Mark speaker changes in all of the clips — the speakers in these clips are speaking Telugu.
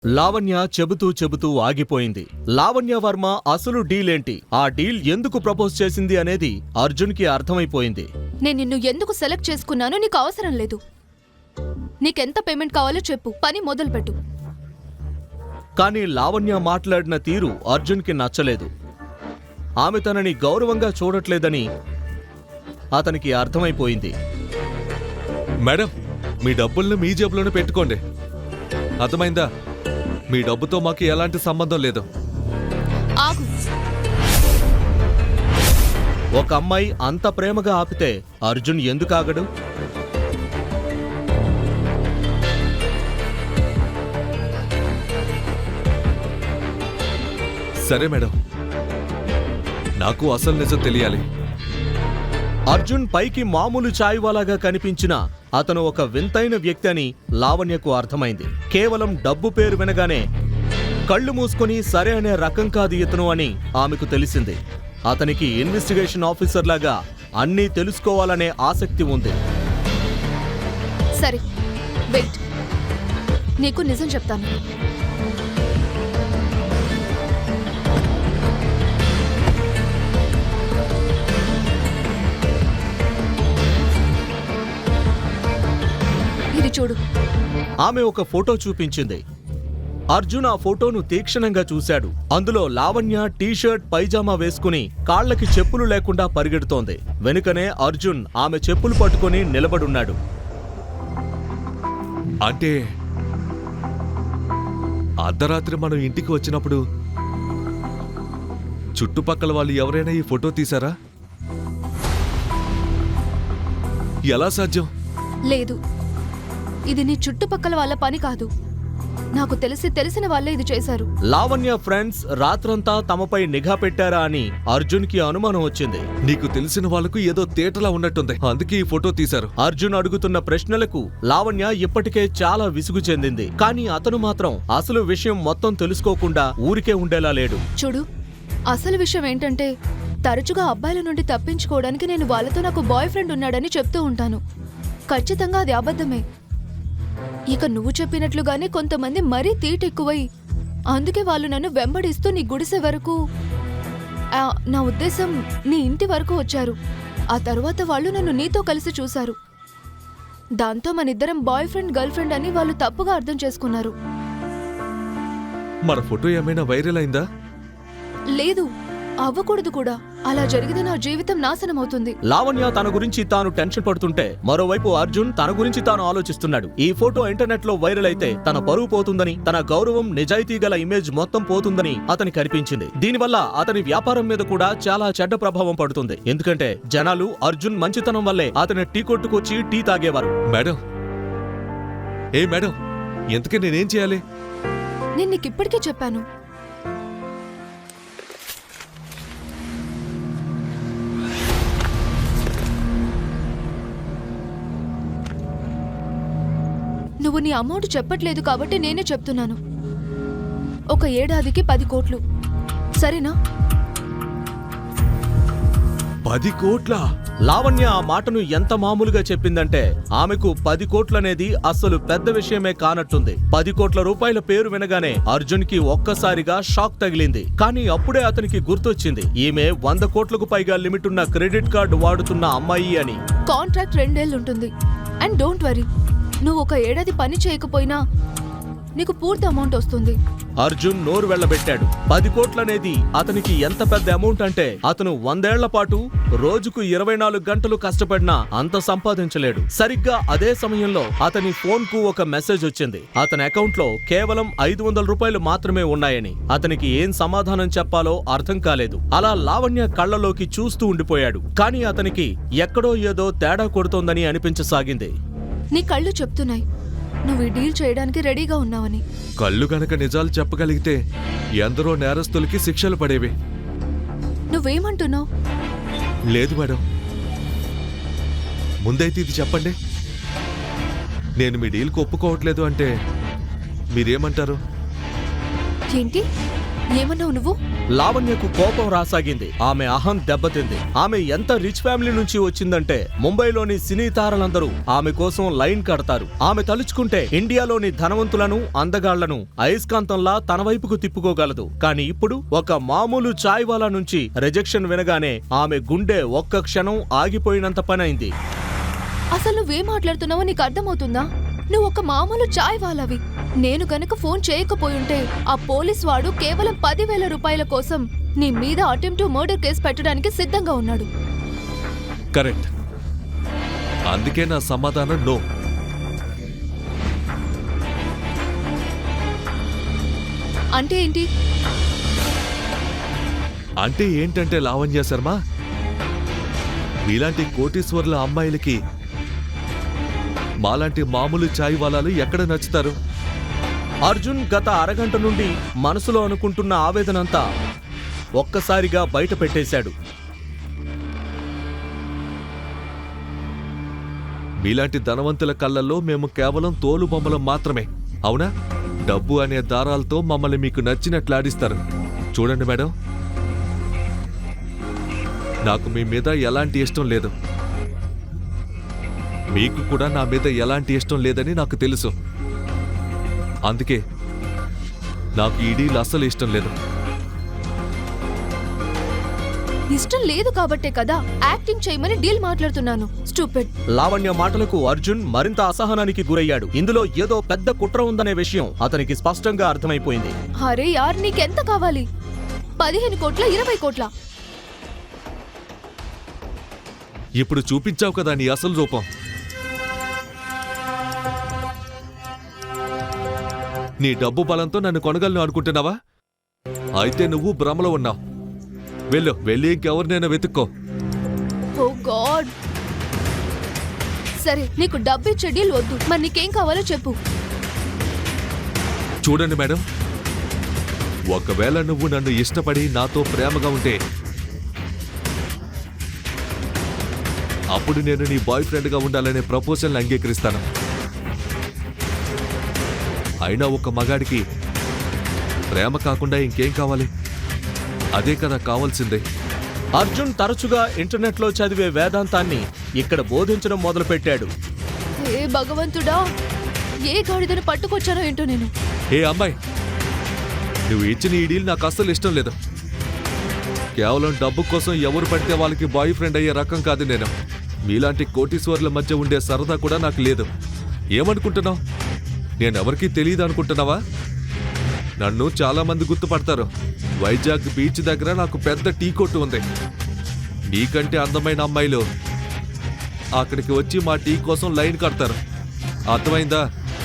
Speaker 1: లావణ్య చెబుతూ చెబుతూ ఆగిపోయింది. లావణ్య వర్మ అసలు డీలేంటి, ఆ డీల్ ఎందుకు ప్రపోజ్ చేసింది అనేది అర్జున్కి అర్థమైపోయింది.
Speaker 2: నేను నిన్ను ఎందుకు సెలెక్ట్ చేసుకున్నానో నీకు అవసరం లేదు. నీకెంత పేమెంట్ కావాలో చెప్పు, పని మొదలుపెట్టు.
Speaker 1: కానీ లావణ్య మాట్లాడిన తీరు అర్జున్కి నచ్చలేదు. ఆమె తనని గౌరవంగా చూడట్లేదని అతనికి అర్థమైపోయింది.
Speaker 3: మేడం, మీ డబ్బుల్ని మీ జేబులోనే పెట్టుకోండి, అర్థమైందా? మీ డబ్బుతో మాకు ఎలాంటి సంబంధం లేదు.
Speaker 2: ఆగు.
Speaker 1: ఒక అమ్మాయి అంత ప్రేమగా ఆపితే అర్జున్ ఎందుకు ఆగడు?
Speaker 3: సరే మేడం, నాకు అసలు నిజం తెలియాలి.
Speaker 1: అర్జున్ పైకి మామూలు చాయ్వాలాగా కనిపించిన అతను ఒక వింతైన వ్యక్తి అని లావణ్యకు అర్థమైంది. కేవలం డబ్బు పేరు వినగానే కళ్ళు మూసుకొని సరే అనే రకం కాదు ఇతను అని ఆమెకు తెలిసింది. అతనికి ఇన్వెస్టిగేషన్ ఆఫీసర్ లాగా అన్నీ తెలుసుకోవాలనే ఆసక్తి ఉంది.
Speaker 2: సరే వెయిట్, నీకు నిజం చెప్తాను. ఇది చూడు.
Speaker 1: ఆమె ఒక ఫోటో చూపించింది. అర్జున్ ఆ ఫోటోను తీక్షణంగా చూశాడు. అందులో లావణ్య టీషర్ట్ పైజామా వేసుకుని కాళ్లకి చెప్పులు లేకుండా పరిగెడుతోంది. వెనుకనే అర్జున్ ఆమె చెప్పులు పట్టుకుని నిలబడున్నాడు.
Speaker 3: అంటే అర్ధరాత్రి మనం ఇంటికి వచ్చినప్పుడు చుట్టుపక్కల వాళ్ళు ఎవరైనా ఈ ఫోటో తీశారా? ఎలా సాధ్యం?
Speaker 2: లేదు, ఇది నీ చుట్టుపక్కల వాళ్ళ పని కాదు. నాకు తెలిసిన వాళ్ళే ఇది చేశారు.
Speaker 1: లావణ్య ఫ్రెండ్స్ రాత్రంతా తమపై నిఘా పెట్టారా అని అర్జున్కి అనుమానం వచ్చింది.
Speaker 3: నీకు తెలిసిన వాళ్ళకు ఏదో తేటలా ఉన్నట్టుంది, అందుకే ఈ ఫోటో తీశారు.
Speaker 1: అర్జున్ అడుగుతున్న ప్రశ్నలకు లావణ్య ఇప్పటికే చాలా విసుగు చెందింది. కానీ అతను మాత్రం అసలు విషయం మొత్తం తెలుసుకోకుండా ఊరికే ఉండేలా లేడు.
Speaker 2: చూడు, అసలు విషయం ఏంటంటే తరచుగా అబ్బాయిల నుండి తప్పించుకోవడానికి నేను వాళ్ళతో నాకు బాయ్ ఫ్రెండ్ ఉన్నాడని చెప్తూ ఉంటాను. ఖచ్చితంగా అది అబద్ధమే. ఇక నువ్వు చెప్పినట్లుగానే కొంతమంది మరీ తీటెక్కువై అందుకే వాళ్ళు నన్ను వెంబడిస్తూ నీ గుడిసె వరకు, నా ఉద్దేశం నీ ఇంటి వరకు వచ్చారు. ఆ తరువాత వాళ్ళు నన్ను నీతో కలిసి చూశారు. దాంతో మనిద్దరం బాయ్ ఫ్రెండ్ గర్ల్ ఫ్రెండ్ అని వాళ్ళు తప్పుగా అర్థం చేసుకున్నారు.
Speaker 3: మన ఫోటో ఏమైనా వైరల్ అయిందా?
Speaker 2: లేదు, అవ్వకూడదు కూడా. అలా జరిగితే నా జీవితం నాశనం అవుతుంది.
Speaker 1: లావణ్య తన గురించి తాను టెన్షన్ పడుతుంటే మరోవైపు అర్జున్ తన గురించి తాను ఆలోచిస్తున్నాడు. ఈ ఫోటో ఇంటర్నెట్ లో వైరల్ అయితే తన పరువు పోతుందని, తన గౌరవం నిజాయితీ గల ఇమేజ్ మొత్తం పోతుందని అతనికి అనిపించింది. దీనివల్ల అతని వ్యాపారం మీద కూడా చాలా చెడ్డ ప్రభావం పడుతుంది. ఎందుకంటే జనాలు అర్జున్ మంచితనం వల్లే అతని టీ కొట్టుకొచ్చి టీ తాగేవారు.
Speaker 3: మేడం, మేడం, ఎంతకీ నేనేం చేయాలి?
Speaker 2: నేను నీకిప్పటికే చెప్పాను. నువ్వు నీ అమౌంట్ చెప్పట్లేదు కాబట్టి నేనే చెప్తున్నాను. ఒక ఏడాదికి 10 కోట్లు, సరేనా?
Speaker 3: 10 కోట్ల?
Speaker 1: లావణ్య ఆ మాటను ఎంత మామూలుగా చెప్పిందంటే ఆమెకు 10 కోట్లనేది అస్సలు పెద్ద విషయమే కానట్టుంది. 10 కోట్ల రూపాయల పేరు వినగానే అర్జున్ కి ఒక్కసారిగా షాక్ తగిలింది. కానీ అప్పుడే అతనికి గుర్తొచ్చింది, ఈమె 100 కోట్లకు పైగా లిమిట్ ఉన్న క్రెడిట్ కార్డు వాడుతున్న అమ్మాయి అని.
Speaker 2: కాంట్రాక్ట్ 2 ఏళ్ళు ఉంటుంది. అండ్ డోంట్ వరీ, నువ్వు ఒక ఏడాది పని చేయకపోయినా నీకు పూర్తి అమౌంట్ వస్తుంది.
Speaker 1: అర్జున్ నోరు వెళ్లబెట్టాడు. 10 కోట్లనేది అతనికి ఎంత పెద్ద అమౌంట్ అంటే అతను 100 ఏళ్ల పాటు రోజుకు 24 గంటలు కష్టపడినా అంత సంపాదించలేడు. సరిగ్గా అదే సమయంలో అతని ఫోన్ కు ఒక మెసేజ్ వచ్చింది. అతని అకౌంట్ లో కేవలం 500 రూపాయలు మాత్రమే ఉన్నాయని. అతనికి ఏం సమాధానం చెప్పాలో అర్థం కాలేదు. అలా లావణ్య కళ్ళలోకి చూస్తూ ఉండిపోయాడు. కానీ అతనికి ఎక్కడో ఏదో తేడా కొడుతోందని అనిపించసాగింది.
Speaker 2: నీ కళ్ళు చెప్తున్నాయి నువ్వు ఈ డీల్ చేయడానికి రెడీగా ఉన్నావని.
Speaker 3: కళ్ళు గనక నిజాలు చెప్పగలిగితే ఎందరో నేరస్తులకి శిక్షలు పడేవి.
Speaker 2: నువ్వేమంటున్నావు?
Speaker 3: లేదు మేడం, ముందైతే ఇది చెప్పండి. నేను మీ డీల్కి ఒప్పుకోవట్లేదు అంటే మీరేమంటారు?
Speaker 2: ఏంటి, ఏమన్నావు నువ్వు?
Speaker 1: లావణ్యకు కోపం రాసాగింది. ఆమె అహం దెబ్బతింది. ఆమె ఎంత రిచ్ ఫ్యామిలీ నుంచి వచ్చిందంటే ముంబైలోని సినీ తారలందరూ ఆమె కోసం లైన్ కడతారు. ఆమె తలుచుకుంటే ఇండియాలోని ధనవంతులను, అందగాళ్లను అయస్కాంతంలా తన వైపుకు తిప్పుకోగలదు. కానీ ఇప్పుడు ఒక మామూలు చాయ్ వాలా నుంచి రిజెక్షన్ వినగానే ఆమె గుండె ఒక్క క్షణం ఆగిపోయినంత పనైంది.
Speaker 2: అసలు నువ్వేం మాట్లాడుతున్నావో నీకు అర్థమవుతుందా? నువ్వు ఒక మామూలు చాయ్ వాలావి. నేను గనక ఫోన్ చేయకపోయుంటే ఆ పోలీస్ వాడు కేవలం 10,000 రూపాయల కోసం నీ మీద అటెంప్ట్ టు మర్డర్ కేసు పెట్టడానికి సిద్ధంగా ఉన్నాడు.
Speaker 3: కరెక్ట్. అందుకే నా సమాధానం నో.
Speaker 2: అంటే ఏంటి?
Speaker 3: అంటే ఏంటంటే లావణ్య శర్మ, మీలాంటి కోటీశ్వర్ల అమ్మాయిలకి మాలాంటి మామూలు చాయ్ వాలాలు ఎక్కడ నచ్చుతారు?
Speaker 1: అర్జున్ గత అరగంట నుండి మనసులో అనుకుంటున్న ఆవేదనంతా ఒక్కసారిగా బయట పెట్టేశాడు.
Speaker 3: మీలాంటి ధనవంతుల కళ్ళల్లో మేము కేవలం తోలు బొమ్మలం మాత్రమే, అవునా? డబ్బు అనే దారాలతో మమ్మల్ని మీకు నచ్చినట్లాడిస్తారు. చూడండి మేడం, నాకు మీ మీద ఎలాంటి ఇష్టం లేదు. మీకు కూడా నా మీద ఎలాంటి ఇష్టం లేదని నాకు తెలుసు. అందుకే నాకు ఈ డీల్ అస్సలు ఇష్టం లేదు.
Speaker 2: ఇష్టం లేదు కాబట్టే కదా యాక్టింగ్ చేయమని డీల్ మాట్లాడుతున్నాను. స్టూపిడ్.
Speaker 1: లావణ్య మాటలకు అర్జున్ మరింత అసహనానికి గురయ్యాడు. ఇందులో ఏదో పెద్ద కుట్ర ఉందనే విషయం అతనికి స్పష్టంగా అర్థమైపోయింది.
Speaker 2: అరే యార్, నీకెంత కావాలి? 15 కోట్ల, 20 కోట్ల?
Speaker 3: ఇప్పుడు చూపించావు కదా నీ అసలు రూపం. నీ డబ్బు బలంతో నన్ను కొనగలను అనుకుంటున్నావా? అయితే నువ్వు భ్రమలో ఉన్నావు. వెళ్ళి ఇంకెవరినైనా వెతుక్కో.
Speaker 2: ఓ గాడ్. సరే, నీకు డబ్బు ఇచ్చే డీల్ వద్దు. మరి నీకేం కావాలో చెప్పు.
Speaker 3: చూడండి మేడం, ఒకవేళ నువ్వు నన్ను ఇష్టపడి నాతో ప్రేమగా ఉంటే అప్పుడు నేను నీ బాయ్ ఫ్రెండ్గా ఉండాలనే ప్రపోజల్ని అంగీకరిస్తాను. అయినా ఒక మగాడికి ప్రేమ కాకుండా ఇంకేం కావాలి? అదే కదా కావాల్సిందే.
Speaker 1: అర్జున్ తరచుగా ఇంటర్నెట్లో చదివే వేదాంతాన్ని ఇక్కడ బోధించడం మొదలుపెట్టాడు.
Speaker 2: ఏ భగవంతుడా, ఏ గాడిదను పట్టుకొచ్చానో ఏంటో నేను.
Speaker 3: ఏ అమ్మాయి, నువ్వు ఇచ్చిన ఈ డీల్ నాకు అస్సలు ఇష్టం లేదు. కేవలం డబ్బు కోసం ఎవరు పడితే వాళ్ళకి బాయ్ ఫ్రెండ్ అయ్యే రకం కాదు నేను. మీలాంటి కోటీశ్వర్ల మధ్య ఉండే సరదా కూడా నాకు లేదు. ఏమనుకుంటున్నావు? నేనెవరికీ తెలియదు అనుకుంటున్నావా? నన్ను చాలా మంది గుర్తుపడతారు. వైజాగ్ బీచ్ దగ్గర నాకు పెద్ద టీ కొట్టు ఉంది. నీకంటే అందమైన అమ్మాయిలు అక్కడికి వచ్చి మా టీ కోసం లైన్ కడతారు. అర్థమైందా?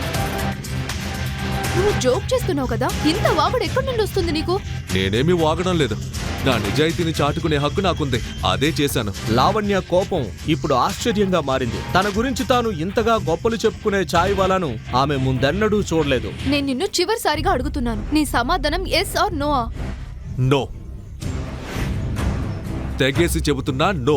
Speaker 2: నువ్వు జోక్ చేస్తున్నావు కదా. ఇంత వాగుడు ఎక్కడి నుండి వస్తుంది నీకు?
Speaker 3: నేనేమీ వాగడం లేదు. నా నిజాయితీని చాటుకునే హక్కు నాకుంది. అదే చేశాను.
Speaker 1: లావణ్య కోపం ఇప్పుడు ఆశ్చర్యంగా మారింది. తన గురించి తాను ఇంతగా గొప్పలు చెప్పుకునే చాయ్ వాలాను ఆమె ముందెన్నడూ చూడలేదు.
Speaker 2: నేను నిన్ను చివరిసారిగా అడుగుతున్నాను, నీ సమాధానం ఎస్ ఆర్ నో?
Speaker 3: నో. తెగేసి చెబుతున్నా నో.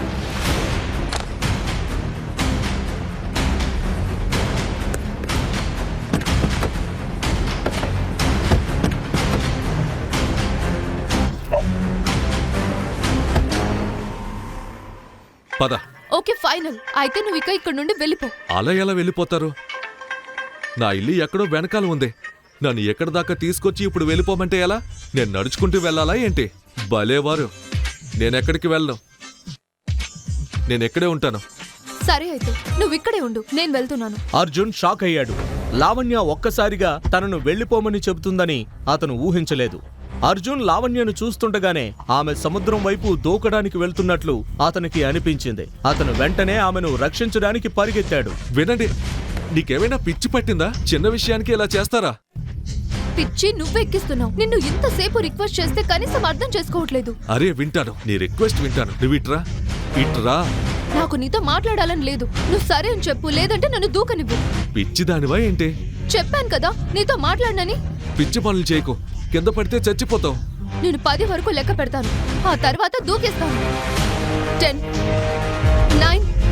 Speaker 3: పద.
Speaker 2: Okay, final. అయితే నువ్వు ఇక్కడ నుండి వెళ్ళిపో.
Speaker 3: అలా ఎలా వెళ్ళిపోతారు? నా ఇల్లు ఎక్కడో వెనకాల ఉంది. నన్ను ఎక్కడి దాకా తీసుకొచ్చి ఇప్పుడు వెళ్ళిపోమంటే ఎలా? నేను నడుచుకుంటూ వెళ్ళాలా ఏంటి? భలేవారు. నేనెక్కడికి వెళ్ళను. నేనెక్కడే ఉంటాను.
Speaker 2: సరే, అయితే నువ్వు ఇక్కడే ఉండు, నేను వెళ్తున్నాను.
Speaker 1: అర్జున్ షాక్ అయ్యాడు. లావణ్య ఒక్కసారిగా తనను వెళ్లిపోమని చెబుతుందని అతను ఊహించలేదు. అర్జున్ లావణ్యను చూస్తుండగానే ఆమె సముద్రం వైపు దూకడానికి వెళ్తున్నట్లు అతనికి అనిపించింది. అతను వెంటనే ఆమెను రక్షించడానికి పరిగెత్తాడు.
Speaker 3: వినండి, నీకేమైనా పిచ్చి పట్టిందా? చిన్న విషయానికి ఇలా చేస్తారా?
Speaker 2: పిచ్చి నువ్వెక్కిస్తున్నావు. నిన్ను ఇంతసేపు రిక్వెస్ట్ చేస్తే కనీసం అర్థం చేసుకోవట్లేదు.
Speaker 3: అరే వింటాను, నీ రిక్వెస్ట్ వింటాను. నువ్వు ఇట్రా.
Speaker 2: నాకు నీతో మాట్లాడాలని లేదు. నువ్వు సరే అని చెప్పు, లేదంటే నన్ను దూకనివ్వు.
Speaker 3: పిచ్చిదానివా ఏంటి?
Speaker 2: చెప్పాను కదా నీతో మాట్లాడనని.
Speaker 3: పిచ్చి పనులు చేయకు. కింద పడితే చచ్చిపోతావు.
Speaker 2: నేను 10 వరకు లెక్క పెడతాను, ఆ తర్వాత దూకేస్తాను. 10, 9,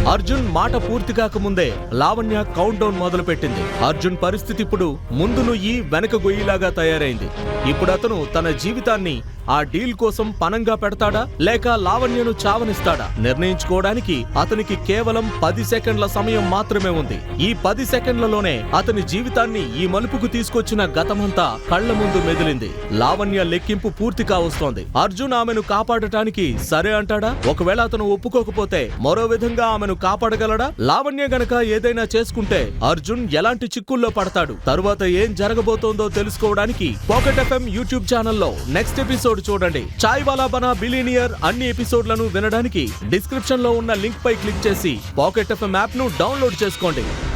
Speaker 1: అర్జున్ మాట పూర్తి కాకముందే లావణ్య కౌంట్ డౌన్ మొదలుపెట్టింది. అర్జున్ పరిస్థితి ఇప్పుడు ముందు నుయ్యి వెనక గొయ్యిలాగా తయారైంది. ఇప్పుడు అతను తన జీవితాన్ని ఆ డీల్ కోసం పనంగా పెడతాడా లేక లావణ్యను చావనిస్తాడా నిర్ణయించుకోవడానికి అతనికి కేవలం 10 సెకండ్ల సమయం మాత్రమే ఉంది. ఈ 10 సెకండ్లలోనే అతని జీవితాన్ని ఈ మలుపుకు తీసుకొచ్చిన గతమంతా కళ్ల ముందు మెదిలింది. లావణ్య లెక్కింపు పూర్తి కావస్తోంది. అర్జున్ ఆమెను కాపాడటానికి సరే అంటాడా? ఒకవేళ అతను ఒప్పుకోకపోతే మరో విధంగా ఆమెను కాపాడగలడా? లావణ్య గనక ఏదైనా చేసుకుంటే అర్జున్ ఎలాంటి చిక్కుల్లో పడతాడు? తరువాత ఏం జరగబోతోందో తెలుసుకోవడానికి పాకెట్ ఎఫ్ఎం యూట్యూబ్ ఛానల్లో నెక్స్ట్ ఎపిసోడ్ చూడండి. చాయ్ వాలా బనా బిలియనియర్ అన్ని ఎపిసోడ్లను వినడానికి డిస్క్రిప్షన్ లో ఉన్న లింక్ పై క్లిక్ చేసి పాకెట్ ఎఫ్ఎం యాప్ ను డౌన్లోడ్ చేసుకోండి.